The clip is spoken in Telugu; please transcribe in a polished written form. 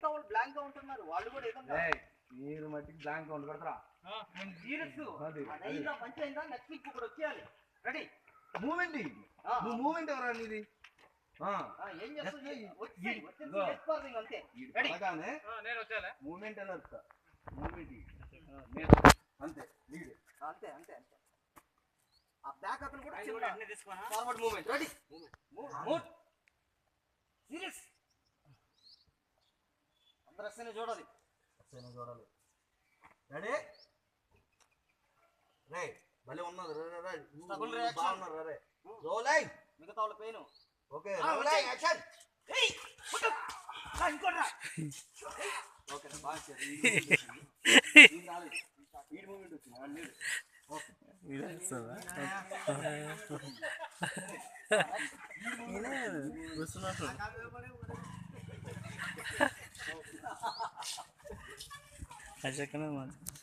వాళ్ళు బ్లాంక్ గా ఉంటున్నారు, వాళ్ళు కూడా ఏదో మీరు మట్టికి బ్లాంక్ ఉండకూడదురా. సీరియస్ మంచి అయిందా? నెక్స్ట్ వీక్ ఇప్పుడు వచ్చేయాలి. రెడీ మూమెంట్ నువ్వు మూమెంట్ ఎవరా నీది? ఏం చేస్తుంది? అంతే నేను వచ్చాలే మూమెంట్ అని వస్తా. మూమెంట్ అంతే లీడ్ అంతే అంతే అంతే. ఆ బ్యాక్ అతను కూడా forward movement. Ready move serious. అందరూ వస్తేనే చూడాలి. రెడీ రే భలే ఉన్నది. బాగున్నారు రే రోలై మిగతా వాళ్ళ పెయిన్. ఓకే రోలై యాక్షన్. ఇంకోట్రా. ఓకే బాగా స్పీడ్ మూమెంట్ వచ్చింది. ఓకే అశకనే